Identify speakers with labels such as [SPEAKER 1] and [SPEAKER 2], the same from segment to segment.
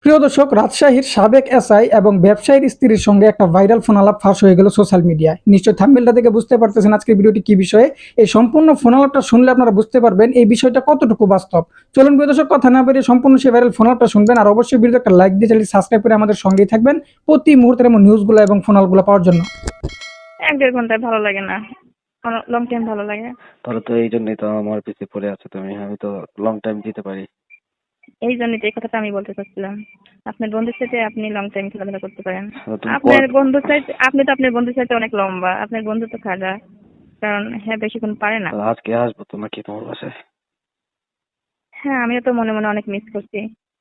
[SPEAKER 1] প্রিয় দর্শক, রাজশাহীর সাবেক এসআই এবং ব্যবসায়ীর স্ত্রীর সঙ্গে একটা ভাইরাল ফোনালাপ ফাঁস হয়ে গেল সোশ্যাল মিডিয়ায়। নিশ্চয় থাম্বনেলটা থেকে বুঝতে পারতেছেন আজকের ভিডিওটি কি বিষয়ে। এই সম্পূর্ণ ফোনালাপটা শুনলে আপনারা বুঝতে পারবেন এই বিষয়টা কতটুকু বাস্তব। চলুন প্রিয় দর্শক, কথা না বেরিয়ে সম্পূর্ণ সেই ভাইরাল ফোনালাপটা শুনবেন, আর অবশ্যই ভিডিও একটা লাইক দিয়ে চ্যানেল সাবস্ক্রাইব করে আমাদের সঙ্গেই থাকবেন প্রতি মুহূর্তের এমন নিউজগুলো এবং ফোনালগুলো পাওয়ার জন্য।
[SPEAKER 2] ১-১.৫ ঘন্টায় ভালো লাগে না। লং টাইম ভালো লাগে।
[SPEAKER 3] তাহলে তো এই জন্যই তো আমার পিছে পড়ে আছো তুমি। আমি তো লং টাইম দিতে পারি।
[SPEAKER 2] এই জন্যই তো এই কথাটা আমি বলতে চাচ্ছিলাম। আপনার বন্ধুর সাথে আপনি লং টাইম খেলাধুলা করতে পারেন।
[SPEAKER 3] তুমি
[SPEAKER 2] আপনার বন্ধুর চাইতে আপনি তো আপনার বন্ধুর সাথে অনেক লম্বা। আপনার বন্ধু তো খাজা। কারণ হ্যাঁ বেশিক্ষণ পারে না।
[SPEAKER 3] তাহলে আজকে আসবো তো নাকি তোমার বাসায়?
[SPEAKER 2] হ্যাঁ আমিও তো মনে মনে অনেক মিস করছি।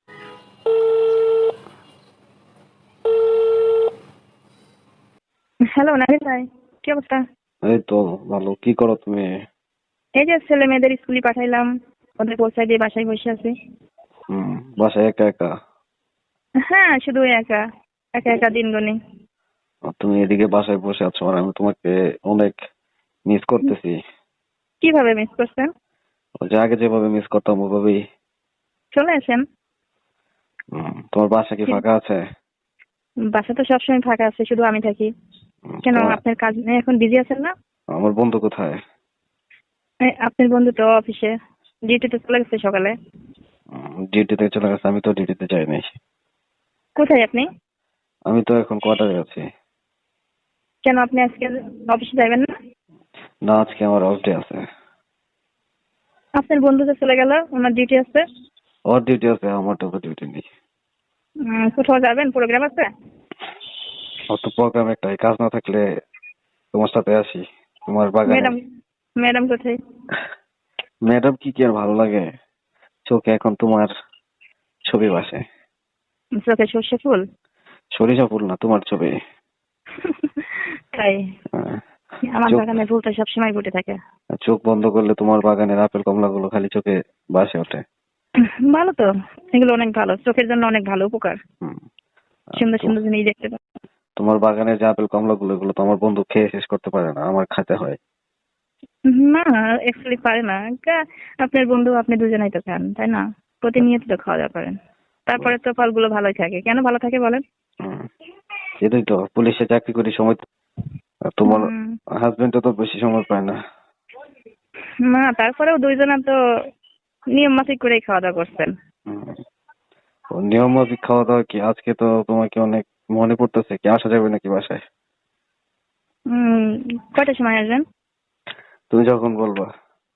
[SPEAKER 2] হ্যালো নাহিদ ভাই, কি অবস্থা?
[SPEAKER 3] এই তো ভালো। কি করো তুমি?
[SPEAKER 2] এই যে ছেলে মেয়েদের স্কুলে পাঠাইলাম, ওদের পৌঁছায় দিয়ে বাসায় বসে আছি।
[SPEAKER 3] বাসায় একা একা?
[SPEAKER 2] হ্যাঁ শুধু একা একা একা দিন গুনি।
[SPEAKER 3] আর তুমি এদিকে বাসায় বসে আছো আর আমি তোমাকে অনেক মিস করতেছি।
[SPEAKER 2] কিভাবে মিস করছেন?
[SPEAKER 3] ওই যে আগে যেভাবে মিস করতাম ওভাবেই।
[SPEAKER 2] চলে আসেন।
[SPEAKER 3] তোমার বাসা কি ফাঁকা আছে?
[SPEAKER 2] বাসা তো সবসময় ফাঁকা আছে, শুধু আমি থাকি। কেন আপনার কাজ নেই, এখন বিজি আছেন না?
[SPEAKER 3] আমার বন্ধু কোথায়?
[SPEAKER 2] আপনার বন্ধু তো অফিসে, ডিউটিতে চলে গেছে সকালে।
[SPEAKER 3] ডিউটিতে চলে গেছে? আমি তো ডিউটিতে যাই নাই।
[SPEAKER 2] কোথায় আপনি?
[SPEAKER 3] আমি তো এখন কোয়ার্টারে আছি।
[SPEAKER 2] কেন আপনি আজকে অফিসে যাবেন না?
[SPEAKER 3] না, আজকে আমার অফ ডে আছে।
[SPEAKER 2] আপনার বন্ধু তো চলে গেল, ওনার ডিউটি আছে।
[SPEAKER 3] ওর ডিউটি আছে, আমার তো ডিউটি নেই।
[SPEAKER 2] কোথাও যাবেন, প্রোগ্রাম আছে?
[SPEAKER 3] ওর তো প্রোগ্রাম একটাই, কাজ না থাকলে তোমার সাথে আসি তোমার বাগানে।
[SPEAKER 2] ম্যাডাম ম্যাডাম কোথায়?
[SPEAKER 3] ম্যাডাম কি আর ভালো লাগে? চোখে এখন তোমার ছবি ভাসে।
[SPEAKER 2] চোখে সর্ষে ফুল?
[SPEAKER 3] সরিষা ফুল না, তোমার ছবি।
[SPEAKER 2] তাই?
[SPEAKER 3] হ্যাঁ।
[SPEAKER 2] আমার
[SPEAKER 3] চোখ
[SPEAKER 2] বাগানে ফুল তো সবসময় ফুটে থাকে।
[SPEAKER 3] চোখ বন্ধ করলে তোমার বাগানের আপেল কমলা গুলো খালি চোখে ভাসে ওঠে।
[SPEAKER 2] ভালো তো, এগুলো অনেক ভালো, চোখের জন্য অনেক ভালো উপকার।
[SPEAKER 3] হুম।
[SPEAKER 2] সুন্দর সুন্দর জিনিস দেখতে পাই।
[SPEAKER 3] তোমার বাগানের যে আপেল কমলা গুলো, এগুলো তো আমার বন্ধু খেয়ে শেষ করতে পারে না, আমার খেতে হয়।
[SPEAKER 2] না অ্যাকচুয়ালি পারে না। আপনার বন্ধু আপনি দুজনেই তো খান, তাই না? প্রতিনিয়ত তো খাওয়া দাওয়া করেন, তারপরে তো ফলগুলো ভালোই থাকে। কেন ভালো থাকে বলেন?
[SPEAKER 3] হুম। এটাই তো, পুলিশে চাকরি করি সময় আর তোমার
[SPEAKER 2] হুম,
[SPEAKER 3] হাজবেন্ড তো বেশি সময় পায় না।
[SPEAKER 2] না তারপরেও দুইজনা তো নিয়ম মাফিক করেই খাওয়া দাওয়া করছেন।
[SPEAKER 3] হুম। ও নিয়ম মাফিক খাওয়া দাওয়া কি? আজকে তো তোমাকে অনেক মনে পড়তেছে, কি আসা যাবে নাকি বাসায়?
[SPEAKER 2] হম, কয়টার সময় আসবেন?
[SPEAKER 3] তুমি যখন বলবা।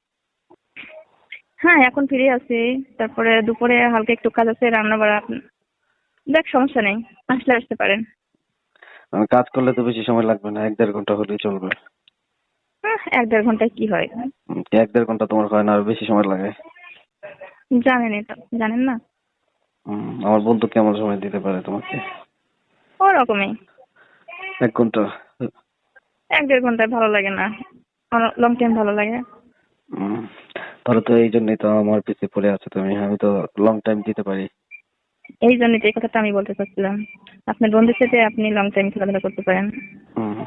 [SPEAKER 2] হ্যাঁ এখন ফ্রি আছি, তারপরে দুপুরে হালকা একটু কাজ আছে, রান্না বাড়া। দেখ সমস্যা নেই, আসলে আসতে পারেন।
[SPEAKER 3] আমি কাজ করলে তো বেশি সময় লাগবে না, ১-১.৫ ঘন্টা হলেই চলবে।
[SPEAKER 2] ১-১.৫ ঘন্টায় কি হয়?
[SPEAKER 3] ১-১.৫ ঘন্টা তোমার হয় না, আর বেশি সময় লাগে?
[SPEAKER 2] জানেনই তো, জানেন না?
[SPEAKER 3] আমার বন্ধু কেমন সময় দিতে পারে তোমাকে?
[SPEAKER 2] ওরকমই।
[SPEAKER 3] ১ ঘন্টা?
[SPEAKER 2] ১-১.৫ ঘন্টায় ভালো লাগে না। লং টাইম ভালো লাগে।
[SPEAKER 3] উম, তাহলে তো এই জন্যই তো আমার পিছে পড়ে আছো তুমি। আমি তো লং টাইম দিতে পারি।
[SPEAKER 2] এই জন্যই তো এই কথাটা আমি বলতে চাচ্ছিলাম। আপনার বন্ধুর সাথে আপনি লং টাইম খেলাধুলা করতে পারেন।
[SPEAKER 3] উম,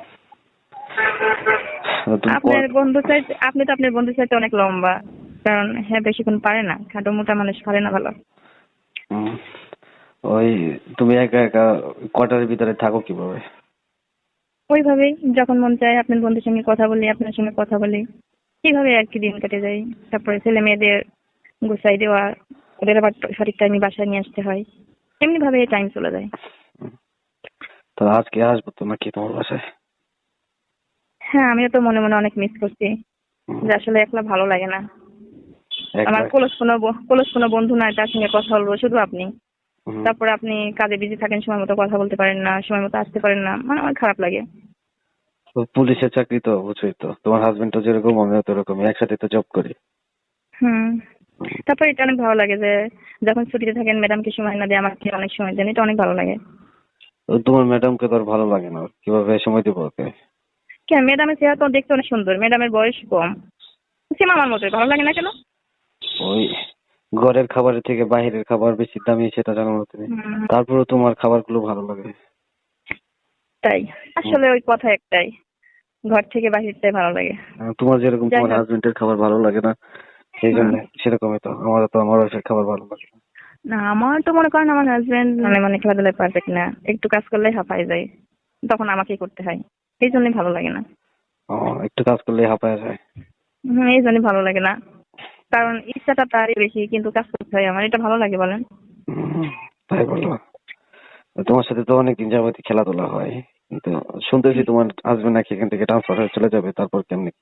[SPEAKER 3] তুমি
[SPEAKER 2] আপনার বন্ধু চাইতে আপনি তো আপনার বন্ধুর চাইতে অনেক লম্বা। কারণ হ্যাঁ বেশিক্ষণ পারে না, খাটো মোটা মানুষ পারে না ভালো।
[SPEAKER 3] উম, ওই তুমি একা একা কোয়ার্টারের ভিতরে থাকো কিভাবে?
[SPEAKER 2] ওইভাবেই যখন মন চায় আপনার বন্ধুর সঙ্গে কথা বলি, আপনার সঙ্গে কথা বলি, এইভাবে আর কি দিন কেটে যায়। তারপরে ছেলে মেয়েদের গুছাই দেওয়া, ওদের আবার সঠিক টাইমে বাসায় নিয়ে আসতে হয়, এমনি ভাবে টাইম চলে যায়।
[SPEAKER 3] উম, তাহলে আজকে আসবো তো নাকি তোমার বাসায়?
[SPEAKER 2] হ্যাঁ আমিও তো মনে মনে অনেক মিস করছি,
[SPEAKER 3] উম,
[SPEAKER 2] যে আসলে একলা ভালো লাগে না। আমার
[SPEAKER 3] একলা?
[SPEAKER 2] ক্লোজ কোনো বন্ধু নাই তার সঙ্গে কথা বলবো, শুধু আপনি।
[SPEAKER 3] উম,
[SPEAKER 2] তারপরে আপনি কাজে বিজি থাকেন, সময় মতো কথা বলতে পারেন না, সময় মতো আসতে পারেন না, মানে আমার খারাপ লাগে।
[SPEAKER 3] পুলিশের চাকরি তো, বুঝছোই তো। তোমার হাজবেন্ড তো যেরকম আমিও তো এরকম, একসাথে তো জব করি।
[SPEAKER 2] হুম।
[SPEAKER 3] উম,
[SPEAKER 2] তারপরে এটা অনেক ভালো লাগে যে যখন ছুটিতে থাকেন ম্যাডামকে সময় না দিয়ে আমাকে অনেক সময় দেন, এটা অনেক ভালো লাগে।
[SPEAKER 3] তোমার ম্যাডামকে তো আর ভালো লাগে না, কিভাবে সময় দিব ওকে?
[SPEAKER 2] কেন, ম্যাডামের চেহারা তো দেখতে অনেক সুন্দর, ম্যাডামের বয়স কম, সেম আমার মতোই, ভালো লাগে না কেন?
[SPEAKER 3] ওই ঘরের খাবারের থেকে বাইরের খাবার বেশি দামি, সেটা জানো না তুমি?
[SPEAKER 2] হুম,
[SPEAKER 3] তারপরেও তোমার খাবারগুলো ভালো লাগে।
[SPEAKER 2] তাই?
[SPEAKER 3] হুম।
[SPEAKER 2] আসলে ওই কথা একটাই, ঘর থেকে বাহিরটাই ভালো লাগে।
[SPEAKER 3] তোমার যেরকম
[SPEAKER 2] যাই
[SPEAKER 3] তোমার
[SPEAKER 2] হোক।
[SPEAKER 3] হাজবেন্ডের খাবার ভালো লাগে না, সেই
[SPEAKER 2] হুম,
[SPEAKER 3] জন্য সেরকমই তো আমারও, তো আমার ওয়াইফের খাবার ভালো লাগে না।
[SPEAKER 2] না, আমার তো মনে করেন আমার হাজবেন্ড মানে খেলাধুলায় পারফেক্ট না, একটু কাজ করলে হাঁপায় যায়, তখন আমাকেই করতে হয়, এই জন্যই ভালো লাগে না।
[SPEAKER 3] ও, একটু কাজ করলে হাঁপায় যায়।
[SPEAKER 2] এই জন্যই ভালো লাগে না, কারণ ইচ্ছাটা তারই বেশি কিন্তু কাজ করতে হয় আমার, এটা ভালো লাগে বলেন?
[SPEAKER 3] হুম, তাই বলো? তোমার সাথে তো অনেকদিন যাবতই খেলাধুলা হয়, কিন্তু শুনতেছি তোমার হাজবেন্ড নাকি এখান থেকে ট্রান্সফার হয়ে চলে যাবে, তারপর কেমনি?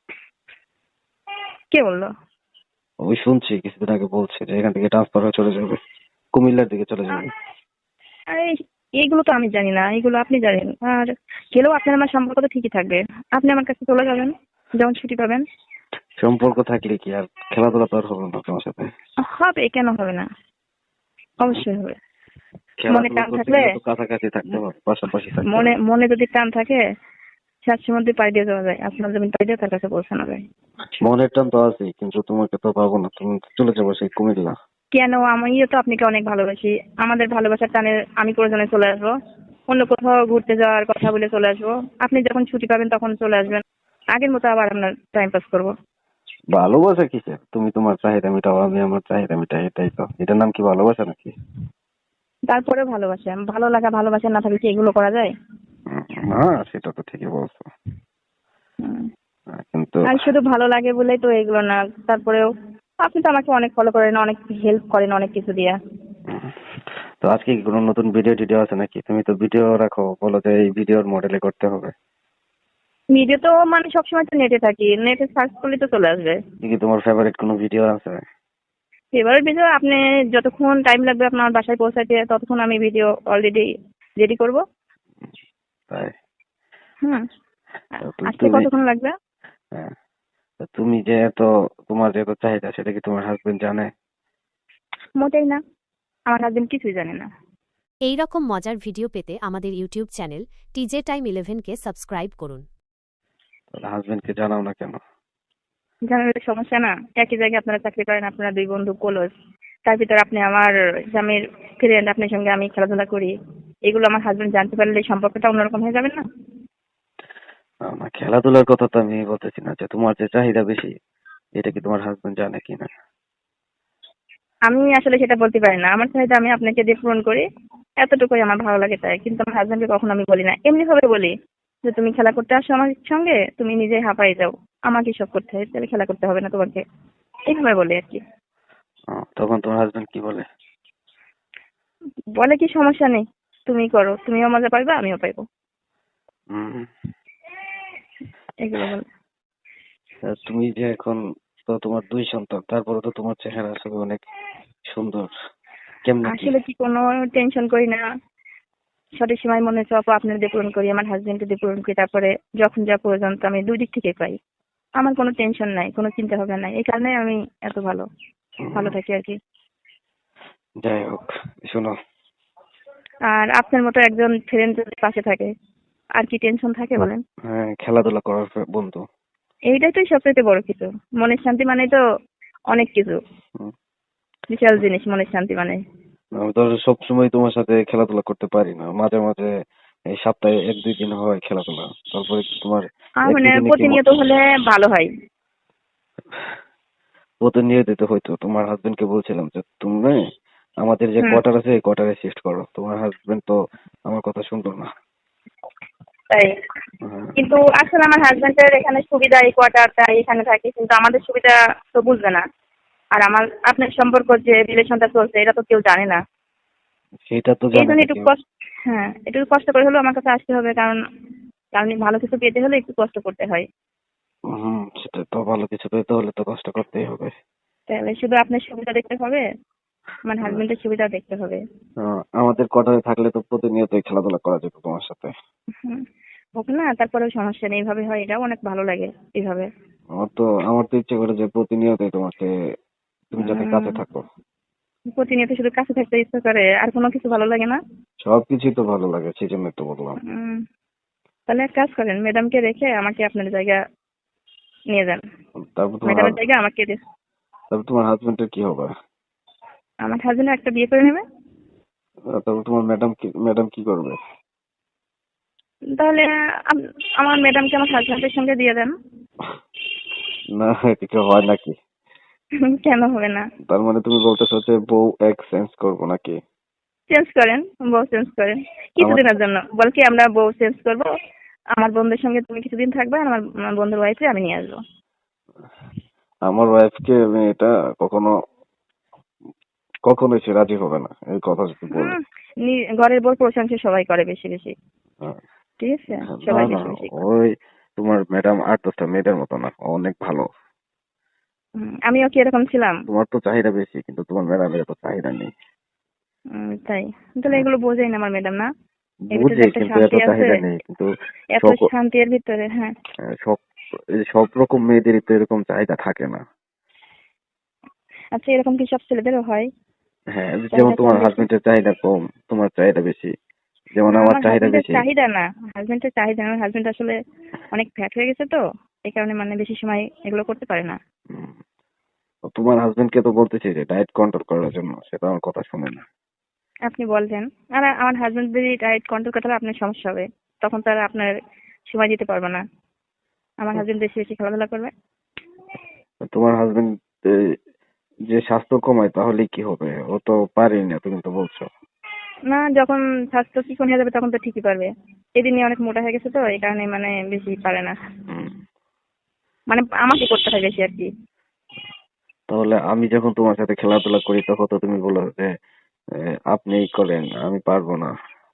[SPEAKER 2] কে বললো?
[SPEAKER 3] ওই শুনছি কিছুদিন আগে বলছে যে এখান থেকে ট্রান্সফার হয়ে চলে যাবে, কুমিল্লার দিকে চলে যাবে।
[SPEAKER 2] আরে এইগুলো তো আমি জানি না, এগুলো আপনি জানেন। আর গেলেও আপনার আমার সম্পর্ক তো ঠিকই থাকবে, আপনি আমার কাছে চলে যাবেন যখন ছুটি পাবেন।
[SPEAKER 3] সম্পর্ক থাকলে কি আর খেলাধুলা তো আর হবে না তোমার সাথে?
[SPEAKER 2] হবে, কেন হবে না? অবশ্যই হবে। মনে
[SPEAKER 3] খেলাধুলা
[SPEAKER 2] টান
[SPEAKER 3] করতে
[SPEAKER 2] থাকলে,
[SPEAKER 3] গেলে তো কাছাকাছি থাকতে হবে, পাশাপাশি থাকতে
[SPEAKER 2] মনে
[SPEAKER 3] হবে।
[SPEAKER 2] মনে যদি টান থাকে, সাতশো মধ্যে পাই দিয়ে যাওয়া যায়, আপনার জমি পাই দিয়ে তার কাছে পৌঁছানো যায়।
[SPEAKER 3] মনের টান তো আছে, কিন্তু তোমাকে তো পাবো না, তুমি তো চলে যাবো সেই কুমিল্লা।
[SPEAKER 2] কেন? আমিও তো আপনাকে অনেক ভালোবাসি, আমাদের ভালোবাসার টানে আমি প্রয়োজনে চলে আসবো, অন্য কোথাও ঘুরতে যাওয়ার কথা বলে চলে আসবো, আপনি যখন ছুটি পাবেন তখন চলে আসবেন, আগের মতো আবার আপনার টাইম পাস করবো।
[SPEAKER 3] ভালোবাসা কিসের? তুমি তোমার চাহিদা মিটাও, আমি আমার চাহিদা মিটাই, এটাই তো। এটার নাম কি ভালোবাসা নাকি?
[SPEAKER 2] তারপরে ভালোবাসা, ভালো লাগা ভালোবাসা না থাকলে কি এগুলো করা যায়?
[SPEAKER 3] না, সেটা তো ঠিকই বলছো।
[SPEAKER 2] হুম।
[SPEAKER 3] কিন্তু
[SPEAKER 2] আর শুধু ভালো লাগে বলেই তো এগুলো না, তারপরেও আপনি তো আমাকে অনেক ফলো করেন, অনেক হেল্প করেন অনেক কিছু দিয়া।
[SPEAKER 3] উম, তো আজকে কি কোনো নতুন ভিডিও টিডিও আছে নাকি? তুমি তো ভিডিও রাখো, বলো যে এই ভিডিওর মডেলে করতে হবে।
[SPEAKER 2] ভিডিও তো মানে সবসময় তো নেটে থাকি, নেটে সার্চ করলে তো চলে আসবে।
[SPEAKER 3] কি তোমার ফেভারিট কোনো ভিডিও আছে?
[SPEAKER 2] এবার ভিডিও আপনি যতক্ষণ টাইম লাগবে আপনার বাসায় পৌঁছাতে ততক্ষণ আমি ভিডিও অলরেডি রেডি করব।
[SPEAKER 3] তাই?
[SPEAKER 2] হুম।
[SPEAKER 3] তো
[SPEAKER 2] আসতে
[SPEAKER 3] তুমি,
[SPEAKER 2] কতক্ষণ লাগবে?
[SPEAKER 3] হ্যাঁ, তো তুমি যে এত, তোমার যে এত চাহিদা, সেটা কি তোমার হাজবেন্ড জানে?
[SPEAKER 2] মোটেই না, আমার হাজবেন্ড কিছুই জানে না।
[SPEAKER 4] এই রকম মজার ভিডিও পেতে আমাদের ইউটিউব চ্যানেল টিজে টাইম 11কে সাবস্ক্রাইব করুন।
[SPEAKER 3] তাহলে হাজবেন্ডকে জানাও না কেন?
[SPEAKER 2] জানার একটা সমস্যা না, একই জায়গায় আপনারা চাকরি করেন, আপনারা দুই বন্ধু ক্লোজ, তার ভিতরে আপনি আমার স্বামীর ফ্রেন্ড, আপনার সঙ্গে আমি খেলাধুলা করি, এগুলো আমার হাজবেন্ড জানতে পারলে সম্পর্কটা অন্যরকম হয়ে যাবে না?
[SPEAKER 3] না, খেলাধুলার কথা তো আমি বলতেছি না, যে তোমার যে চাহিদা বেশি, এটা কি তোমার হাজবেন্ড জানে কিনা?
[SPEAKER 2] আমি আসলে সেটা বলতে পারি না, আমার চাহিদা আমি আপনাকে দিয়ে পূরণ করি, এতটুকুই আমার ভালো লাগে তাই, কিন্তু আমার হাজবেন্ডকে কখনো আমি বলি না, এমনি ভাবে বলি যে তুমি খেলা করতে আসো আমার সঙ্গে, তুমি নিজেই হাঁপাই যাও, আমাকে সব করতে হয়, তাহলে খেলা করতে হবে না তোমাকে, এইভাবে বলি আর কি।
[SPEAKER 3] তখন তোমার হাজবেন্ড কি বলে?
[SPEAKER 2] বলে কি সমস্যা নেই, তুমি করো, তুমিও মজা পাইবা আমিও পাইবো,
[SPEAKER 3] হুম।
[SPEAKER 2] এগুলো বলে।
[SPEAKER 3] তুমি যে এখন, তো তোমার দুই সন্তান, তারপরে তো তোমার চেহারা আসলে অনেক সুন্দর, কেমনে কি?
[SPEAKER 2] আসলে কি কোনো টেনশন করি না, সঠিক সময় মনে চাপ আপনার দিয়ে পূরণ করি, আমার হাজবেন্ডকে দিয়ে পূরণ করি, তারপরে যখন যা প্রয়োজন তো আমি দুই দিক থেকে পাই, আমার কোনো টেনশন নাই, কোনো চিন্তা ভাবনা নাই, এই কারণে আমি এত ভালো ভালো থাকি আর কি।
[SPEAKER 3] যাই হোক, শোনো,
[SPEAKER 2] আর আপনার মতো একজন ফ্রেন্ড যদি পাশে থাকে আর কি টেনশন থাকে বলেন?
[SPEAKER 3] হ্যাঁ, খেলাধুলা করার বন্ধু।
[SPEAKER 2] এইটাই তো সবচেয়ে বড় কিছু, মনের শান্তি মানে তো অনেক কিছু,
[SPEAKER 3] হুম।
[SPEAKER 2] বিশাল জিনিস মনের শান্তি মানে।
[SPEAKER 3] আমি তো সবসময় তোমার সাথে খেলাধুলা করতে পারি না, মাঝে মাঝে এই সপ্তাহে এক দুই দিন হয় খেলাধুলা, তারপরে কি তোমার
[SPEAKER 2] আর
[SPEAKER 3] এক
[SPEAKER 2] মানে
[SPEAKER 3] দুই দিনে কি
[SPEAKER 2] প্রতিনিয়ত হলে ভালো হয়।
[SPEAKER 3] প্রতিনিয়ত দিতে হয়তো। তোমার হাজবেন্ডকে বলছিলাম যে তুমি আমাদের যে
[SPEAKER 2] হুম।
[SPEAKER 3] কোয়ার্টার আছে এই কোয়ার্টারে শিফট করো, তোমার হাজবেন্ড তো আমার কথা শুনতো না।
[SPEAKER 2] তাই?
[SPEAKER 3] হ্যাঁ,
[SPEAKER 2] কিন্তু আসলে আমার হাজবেন্ডের এখানে সুবিধা, এই কোয়ার্টারটা এখানে থাকে, কিন্তু আমাদের সুবিধা তো বুঝবে না, আর আমার আপনার সম্পর্ক যে রিলেশনটা চলছে এটা তো কেউ জানে না,
[SPEAKER 3] সেটা তো
[SPEAKER 2] এই
[SPEAKER 3] জানে
[SPEAKER 2] জন্য
[SPEAKER 3] না
[SPEAKER 2] একটু
[SPEAKER 3] কেউ।
[SPEAKER 2] কষ্ট, হ্যাঁ একটু কষ্ট করে হলেও আমার কাছে আসতে হবে, কারণ কারণ ভালো কিছু পেতে হলে একটু কষ্ট করতে হয়।
[SPEAKER 3] সেটা তো, ভালো কিছু পেতে হলে তো কষ্ট করতেই হবে।
[SPEAKER 2] তাহলে শুধু আপনার সুবিধা দেখতে হবে, আমার
[SPEAKER 3] হ্যাঁ,
[SPEAKER 2] হাজবেন্ডের সুবিধা দেখতে হবে।
[SPEAKER 3] আমাদের কোয়ার্টারে থাকলে তো প্রতিনিয়তই খেলাধুলা করা যেত তোমার সাথে।
[SPEAKER 2] হুম। হোক না, তারপরেও সমস্যা নেই, এইভাবে হয়, এটাও অনেক ভালো লাগে এইভাবে।
[SPEAKER 3] আমার তো ইচ্ছে করে যে প্রতিনিয়তই তোমাকে, তুমি যাতে কাছে
[SPEAKER 2] উম,
[SPEAKER 3] থাকো।
[SPEAKER 2] প্রতিনিয়ত শুধু কাছে থাকতে ইচ্ছা করে, আর কোনো কিছু ভালো লাগে না?
[SPEAKER 3] সবকিছুই তো ভালো লাগে, সেই জন্য তো বললাম।
[SPEAKER 2] উম, তাহলে এক কাজ করেন, ম্যাডামকে রেখে আমাকে আপনার জায়গা নিয়ে যান,
[SPEAKER 3] তারপর তোমার
[SPEAKER 2] ম্যাডামের জায়গা আমাকে
[SPEAKER 3] তারপর তোমার হাজবেন্ডের কি হবে?
[SPEAKER 2] আমার হাজবেন্ড একটা বিয়ে করে নেবে।
[SPEAKER 3] তারপর তোমার ম্যাডাম কি করবে?
[SPEAKER 2] তাহলে আমার ম্যাডামকে আমার হাজবেন্ডের সঙ্গে দিয়ে দেন।
[SPEAKER 3] না, এটা কি হয় নাকি?
[SPEAKER 2] কেন হবে না?
[SPEAKER 3] তার মানে তুমি বলতেছো যে বউ এক্সচেঞ্জ করবো নাকি?
[SPEAKER 2] চেঞ্জ করেন, বউ চেঞ্জ করেন কিছুদিনের জন্য। বল কি আমরা বউ চেঞ্জ করব, আমার বন্ধুর সঙ্গে তুমি কিছুদিন থাকবে, আর আমার বন্ধুর ওয়াইফে আমি নিয়ে আসবো।
[SPEAKER 3] আমার ওয়াইফকে আমি এটা কখনোই সে রাজি হবে না এই কথা যদি বলি।
[SPEAKER 2] ঘরের বউর প্রশংসা সবাই করে বেশি বেশি,
[SPEAKER 3] হ্যাঁ।
[SPEAKER 2] ঠিক আছে?
[SPEAKER 3] না
[SPEAKER 2] সবাই
[SPEAKER 3] না,
[SPEAKER 2] বেশি বেশি করে।
[SPEAKER 3] ওই তোমার ম্যাডাম 8-10টা মেয়েদের মতো না, ও অনেক ভালো।
[SPEAKER 2] আমিও কি এরকম ছিলাম?
[SPEAKER 3] তোমার তো চাহিদা বেশি, কিন্তু তোমার ম্যাডামের তো চাহিদা নেই।
[SPEAKER 2] তাই? তাহলে এগুলো বোঝাই না আমার ম্যাডাম না? এর ভিতরে
[SPEAKER 3] বুঝি,
[SPEAKER 2] যে একটা
[SPEAKER 3] কিন্তু এত
[SPEAKER 2] শান্তি আছে,
[SPEAKER 3] চাহিদা নেই, কিন্তু
[SPEAKER 2] এত
[SPEAKER 3] সক-
[SPEAKER 2] শান্তি এর ভিতরে। হ্যাঁ,
[SPEAKER 3] সব সব রকম মেয়েদেরই তো এরকম চাহিদা থাকে না।
[SPEAKER 2] আচ্ছা এরকম কি সব ছেলেদেরও হয়?
[SPEAKER 3] হ্যাঁ, যেমন
[SPEAKER 2] চাহিদা কম
[SPEAKER 3] তোমার
[SPEAKER 2] বেশি?
[SPEAKER 3] হাজবেন্ডের চাহিদা কম, তোমার চাহিদা বেশি, যেমন
[SPEAKER 2] না,
[SPEAKER 3] আমার
[SPEAKER 2] আমার
[SPEAKER 3] চাহিদা
[SPEAKER 2] হাজবেন্ডের
[SPEAKER 3] বেশি।
[SPEAKER 2] চাহিদা না, হাজবেন্ডের চাহিদা না। আমার হাজবেন্ড আসলে অনেক ফ্যাট হয়ে গেছে তো, এই কারণে মানে বেশি সময় এগুলো করতে পারে না।
[SPEAKER 3] উম, তোমার হাজবেন্ডকে তো বলতেছি যে ডায়েট কন্ট্রোল করার জন্য, সেটা আমার কথা শুনে না।
[SPEAKER 2] আপনি বলছেন, আর আমার হাজবেন্ড যদি ডায়েট কন্ট্রোল করতে হবে আপনার সমস্যা হবে, তখন তার আপনার সময় দিতে পারবে না। আমার হাজবেন্ড বেশি বেশি খেলাধুলা করবে।
[SPEAKER 3] তোমার হাজবেন্ড যে স্বাস্থ্য কমায় তাহলে কি হবে? ও তো পারেই না, তুমি তো বলছো।
[SPEAKER 2] না, যখন স্বাস্থ্য চিকন হয়ে যাবে তখন তো ঠিকই পারবে। এদিনই অনেক মোটা হয়ে গেছে তো, এই কারণে মানে বেশি পারে না।
[SPEAKER 3] হুম।
[SPEAKER 2] মানে আমাকে করতে হয় বেশি আর কি।
[SPEAKER 3] তাহলে আমি যখন তোমার সাথে খেলাধুলা করি তখন তো তুমি বলো যে আপনিই করেন, আমি পারবো না।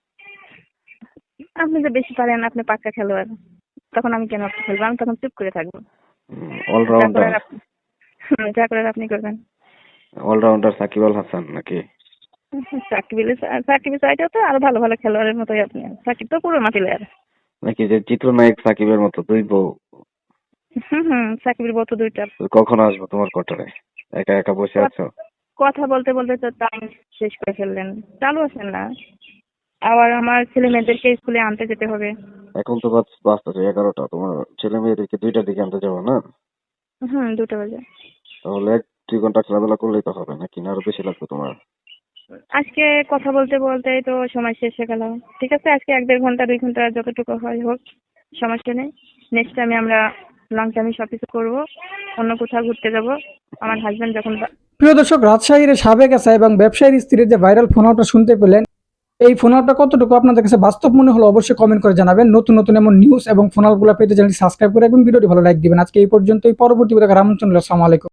[SPEAKER 2] আপনি তো বেশি পারেন, আপনি পাক্কা খেলোয়াড়, তখন আমি কেন আপনি খেলবো? আমি তখন চুপ করে থাকবো। যা
[SPEAKER 3] অলরাউন্ডার।
[SPEAKER 2] করার আপনি যা করার আপনি করবেন।
[SPEAKER 3] অলরাউন্ডার সাকিব আল হাসান নাকি?
[SPEAKER 2] সাকিবের চাইতেও তো আরো ভালো ভালো খেলোয়াড়ের মতোই আপনি। সাকিব তো পুরো মাটি প্লেয়ার।
[SPEAKER 3] নাকি যে চিত্রনায়ক সাকিবের মতো দুই বউ?
[SPEAKER 2] সাকিবের বউ তো দুইটা।
[SPEAKER 3] কখন আসবো তোমার কোয়ার্টারে? একা একা বসে আছো?
[SPEAKER 2] কথা বলতে বলতে তো টাইম শেষ করে ফেললেন, চালু আছেন না? আবার আমার ছেলে মেয়েদেরকে স্কুলে আনতে যেতে হবে।
[SPEAKER 3] এখন তো বাজতেছে 11টা, তোমার ছেলে মেয়েদেরকে 2টার দিকে আনতে যাবো না?
[SPEAKER 2] 2টা বাজে।
[SPEAKER 3] তাহলে 1-2 ঘন্টা খেলাধুলা করলেই তো হবে, নাকি না আরো বেশি লাগবে তোমার?
[SPEAKER 2] আজকে কথা বলতে বলতে তো সময় শেষ হয়ে গেল। ঠিক আছে, আজকে 1-1.5 ঘন্টা 2 ঘন্টা যতটুকু হয় হোক, সমস্যা নেই। নেক্সট টাইমে আমরা লং টাইমে সবকিছু করবো, অন্য কোথাও ঘুরতে যাব। আমার হাজবেন্ড যখন
[SPEAKER 1] প্রিয় দর্শক, রাজশাহীর সাবেক এসআই এবং ব্যবসায়ীর স্ত্রীর যে ভাইরাল ফোন আউটটা শুনতে পেলেন, এই ফোন আউটটা কতটুকু আপনাদের কাছে বাস্তব মনে হলো অবশ্যই কমেন্ট করে জানাবেন। নতুন নতুন এমন নিউজ এবং ফোন আউটগুলো পেতে চ্যানেলটি সাবস্ক্রাইব করে রাখবেন, ভিডিওটি ভালো লাইক দিবেন। আজকে এই পর্যন্তই, পরবর্তী ভিডিও দেখার আমন্ত্রণ রইলো। আসসালামু আলাইকুম।